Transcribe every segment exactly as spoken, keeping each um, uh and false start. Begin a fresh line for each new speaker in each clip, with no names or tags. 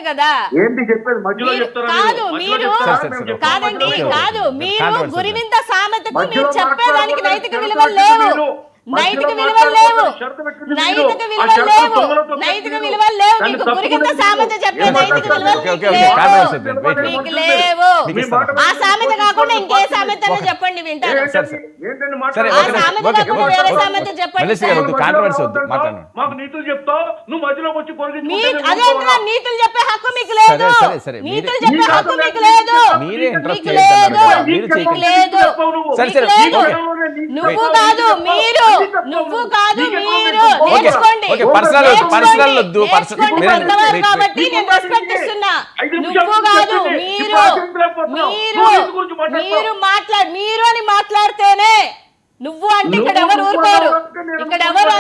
కదా.
ఏంటి చెప్పేది మధ్యలో చెప్తారా?
కాదు మీరు కాదండి కాదు మీరు గురివింద సామెతకు మీరు చెప్పేదానికి నైతిక విలువలు లేవు, నైతిక విలువలు లేవు, నైతిక విలువలు లేవు, నైతిక విలువలు లేవు. మీకు గురిగింత సామెత చెప్పే నైతిక విలువలు మీకు లేవు. ఆ సామెత కాకుండా ఇంకే సామెత చెప్పండి వింటారు. ఆ సామెత కాకుండా వేరే సామెత చెప్పండి.
మాకు నీతులు చెప్తావు, నువ్వు మధ్యలోకి వచ్చి
అదే నీతులు చెప్పే హక్కు మీకు లేదు, నీతులు చెప్పే హక్కు మీకు లేదు, మీకు లేదు, మీకు లేదు. నువ్వు కాదు మీరు, నువ్వు కాదు మీరు. నేర్చుకోండి కాబట్టి నేను రెస్పెక్ట్ ఇస్తున్నా. నువ్వు కాదు మీరు, మీరు మీరు మాట్లాడు, మీరు అని మాట్లాడితేనే నువ్వు అంటే ఇక్కడ ఎవరు ఊరుకోరు, ఇక్కడ ఎవరు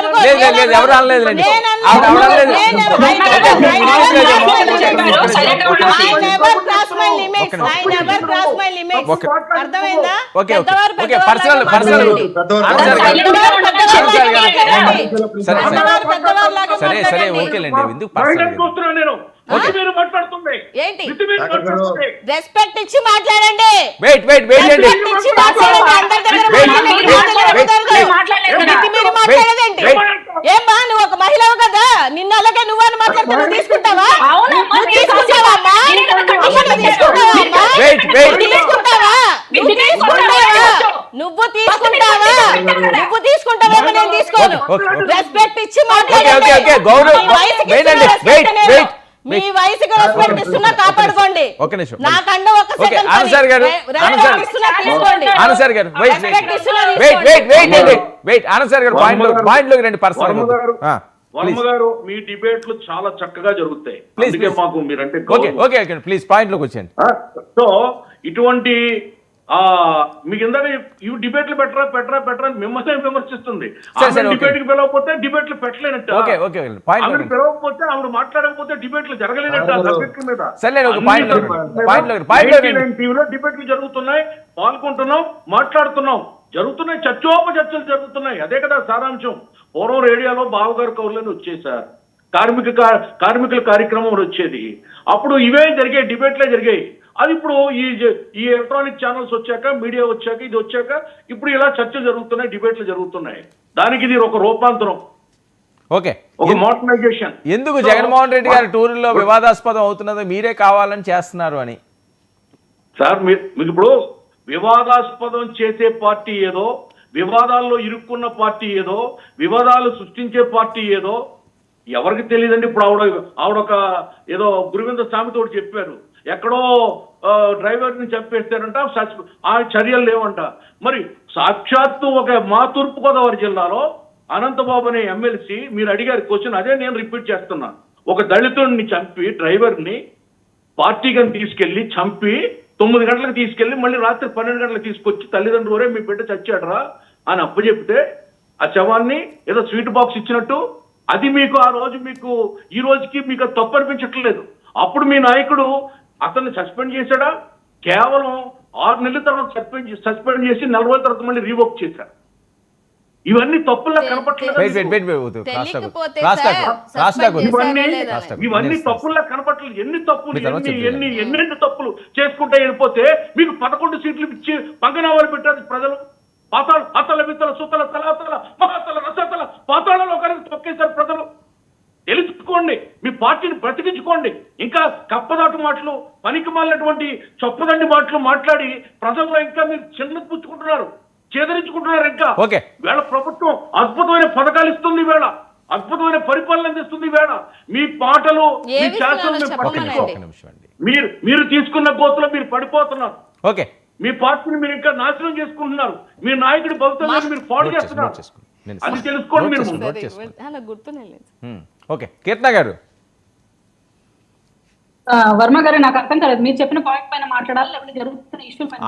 అర్థమైందా? ఏంటి రెస్పెక్ట్ ఇచ్చి మాట్లాడండి, ఇచ్చి మాట్లాడండి. ఏమ్మా నువ్వు ఒక మహిళవు కదా, నిన్న అలాగే నువ్వు అని మాట్లాడుతూ నువ్వు తీసుకుంటావా? తీసుకుంటావా నువ్వు తీసుకుంటావా? నువ్వు తీసుకుంటావా? నేను తీసుకోను. రెస్పెక్ట్ ఇచ్చి మాట్లాడండి. మీ వయసుకి రెస్పెక్ట్ ఇస్తున్నా కాపాడుకోండి. నాకన్నా ఒక సెకండ్
వర్మ గారు మీ డిబేట్లు చాలా చక్కగా జరుగుతాయి. మాకు మీరంటే
ప్లీజ్ పాయింట్ లోకి వచ్చేయండి.
సో ఇటువంటి ఆ మీకు ఇందాక ఈ డిబేట్లు పెట్టరా పెట్టరా పెట్టరా అని మిమ్మల్ని విమర్శిస్తుంది. డిబేట్ కి పిలవకపోతే డిబేట్లు పెట్టలేనట్టు, ఆవిడ పిలవకపోతే ఆవిడ మాట్లాడకపోతే డిబేట్లు జరగలేనట్టు. సబ్జెక్ట్ మీద టీవీలో డిబేట్లు జరుగుతున్నాయి, పాల్గొంటున్నాం, మాట్లాడుతున్నాం, జరుగుతున్నాయి, చర్చోప చర్చలు జరుగుతున్నాయి. అదే కదా సారాంశం. పూర్వం రేడియోలో బావగారు కౌర్లని వచ్చేసారు, కార్మిక కార్మికుల కార్యక్రమం వచ్చేది, అప్పుడు ఇవే జరిగాయి, డిబేట్లే జరిగాయి. అది ఇప్పుడు ఈ ఈ ఎలక్ట్రానిక్ ఛానల్స్ వచ్చాక, మీడియా వచ్చాక, ఇది వచ్చాక ఇప్పుడు ఇలా చర్చలు జరుగుతున్నాయి, డిబేట్లు జరుగుతున్నాయి. దానికి ఇది ఒక రూపాంతరం,
ఓకే,
ఒక మోడర్నైజేషన్.
ఎందుకు జగన్మోహన్ రెడ్డి గారి టూర్లో వివాదాస్పదం అవుతున్నదో మీరే కావాలని చేస్తున్నారు అని?
సార్ మీకు ఇప్పుడు వివాదాస్పదం చేసే పార్టీ ఏదో, వివాదాల్లో ఇరుక్కున్న పార్టీ ఏదో, వివాదాలు సృష్టించే పార్టీ ఏదో ఎవరికి తెలియదండి. ఇప్పుడు ఆవిడ ఆవిడొక ఏదో గురువింద సామెతో చెప్పారు, ఎక్కడో డ్రైవర్ని చంపేస్తారంట, ఆ చర్యలు లేవంట. మరి సాక్షాత్తు ఒక మా తూర్పుగోదావరి జిల్లాలో అనంతబాబు అనే ఎమ్మెల్సీ, మీరు అడిగారు క్వశ్చన్, అదే నేను రిపీట్ చేస్తున్నా. ఒక దళితుడిని చంపి, డ్రైవర్ని పార్టీగా తీసుకెళ్లి చంపి తొమ్మిది గంటలకు తీసుకెళ్లి మళ్ళీ రాత్రి పన్నెండు గంటలకు తీసుకొచ్చి తల్లిదండ్రులే మీ బిడ్డ చచ్చాడరా అని అప్పచెప్తే ఆ శవాన్ని ఏదో స్వీట్ బాక్స్ ఇచ్చినట్టు, అది మీకు ఆ రోజు మీకు ఈ రోజుకి మీకు అది తప్పు అనిపించట్లేదు. అప్పుడు మీ నాయకుడు అతన్ని సస్పెండ్ చేశాడా? కేవలం ఆరు నెలల తర్వాత సస్పెండ్ సస్పెండ్ చేసి నలభై తర్వాత మళ్ళీ రీవోక్ చేశారు. ఇవన్నీ తప్పుల్లా కనపట్లేదు, ఇవన్నీ తప్పుల్లా కనపట్లేదు. ఎన్ని తప్పులు ఎన్ని ఎన్ని ఎన్నెన్ని తప్పులు చేసుకుంటే వెళ్ళిపోతే మీకు పదకొండు సీట్లు ఇచ్చి పంగనామాలు పెట్టారు ప్రజలు. పాతాళ అతల విత్తల సుతల తలాతల మహాతల రసతల పాతాళలో కలిసి తొక్కేశారు ప్రజలు. తెలుసుకోండి, మీ పార్టీని బ్రతికించుకోండి. ఇంకా కప్పదాటు మాటలు, పనికి మాలినటువంటి చొప్పదండి మాటలు మాట్లాడి ప్రజల్లో ఇంకా మీరు చిన్న పుచ్చుకుంటున్నారు, చేదరించుకుంటున్నారు. ఇంకా వేళ ప్రభుత్వం అద్భుతమైన పథకాలు ఇస్తుంది, వేళ అద్భుతమైన పరిపాలన అందిస్తుంది. వేళ మీ పాటలు, మీ శాసనం మీరు మీరు తీసుకున్న గోతులో మీరు పడిపోతున్నారు.
ఓకే,
మీ పార్టీని మీరు ఇంకా నాశనం చేసుకుంటున్నారు. మీ నాయకుడి భవిష్యత్తు మీరు పాడు చేస్తున్నారు. అది తెలుసుకోండి మీరు.
ఓకే, కీర్తన గారు.
వర్మ గారు, నాకు అర్థం కాలేదు, మీరు చెప్పిన పాయింట్ పైన మాట్లాడాలి లేకపోతే జరుగుతున్న ఇష్యూ పైన?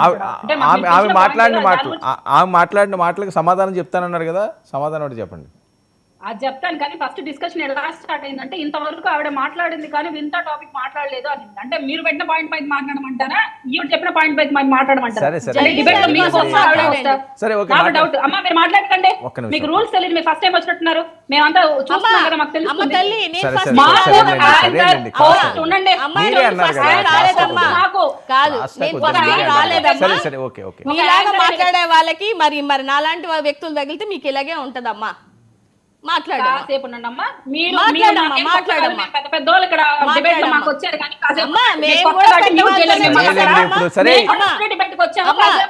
ఆమె మాట్లాడిన మాటలు ఆమె మాట్లాడిన మాటలకు సమాధానం చెప్తానన్నారు కదా, సమాధానం ఒకటి చెప్పండి.
అది చెప్తాను కానీ ఫస్ట్ డిస్కషన్ ఎలా స్టార్ట్ అయిందంటే ఇంతవరకు ఆవిడ మాట్లాడింది కానీ వింత టాపిక్ మాట్లాడలేదు అని. అంటే మీరు పెట్టిన పాయింట్ పైన మాట్లాడమంటారా, ఈవిడ చెప్పిన పాయింట్ పైన
సరే,
మాట్లాడమంటారా?
సరే.
అంటే debate లో మీకు వస్తా, ఆవిడే వస్తా?
సరే, ఓకే,
నాకు
మాట్లాడు.
డౌట్. అమ్మా మీరు మాట్లాడకండి,
ఒక్క నిమిషం.
మీకు రూల్స్ తెలియదు, మీరు ఫస్ట్ టైం వచ్చినట్టున్నారు, మేమంతా చూస్తున్నాం కదా, మాకు
అమ్మ
తెలుస్తుంది.
తల్లి నేను
సరే,
first
సరే,
time
సరే,
రాలేదమ్మా.
సరే, సరేనండి,
అమ్మ,
కాస్త
ఉండండి.
అమ్మాయి
మీరే
నేను
అన్నారు
first
కదా,
time
కాస్త
రాలేదమ్మా.
నాకు
కాదు
కాస్త
నేను
కొంచెం
first time
మీరే అన్నారు.
రాలేదమ్మా.
సరే సరే ఓకే ఓకే
మీలాగా మాట్లాడే వాళ్ళకి మరి మరి నాలాంటి వా- వ్యక్తులు తగిలితే మీకు ఇలాగే ఉంటదమ్మా. మాట్లాడమ్మా.
కాసేపు ఉండండి అమ్మా. మీరు
మాట్లాడమ్మా,
మీరు నాకేం
మాట్లాడమ్మా.
పెద్ద పెద్ద వాళ్ళు ఇక్కడ డిబేట్ లో
మాట్లాడమ్మా.
మాకు వచ్చారు కానీ కాసేపు
అమ్మా,
మీరు
మేము
కొత్త
కూడా
కాబట్టి
పెద్ద
న్యూస్
వాళ్ళమే
చేయలేరు. మేము
లేదండి,
మాట్లాడాలా?
ఇప్పుడు సరే.
మేము ఫస్ట్ డిబేట్ కి వచ్చాము.
అమ్మా,
కాసేపు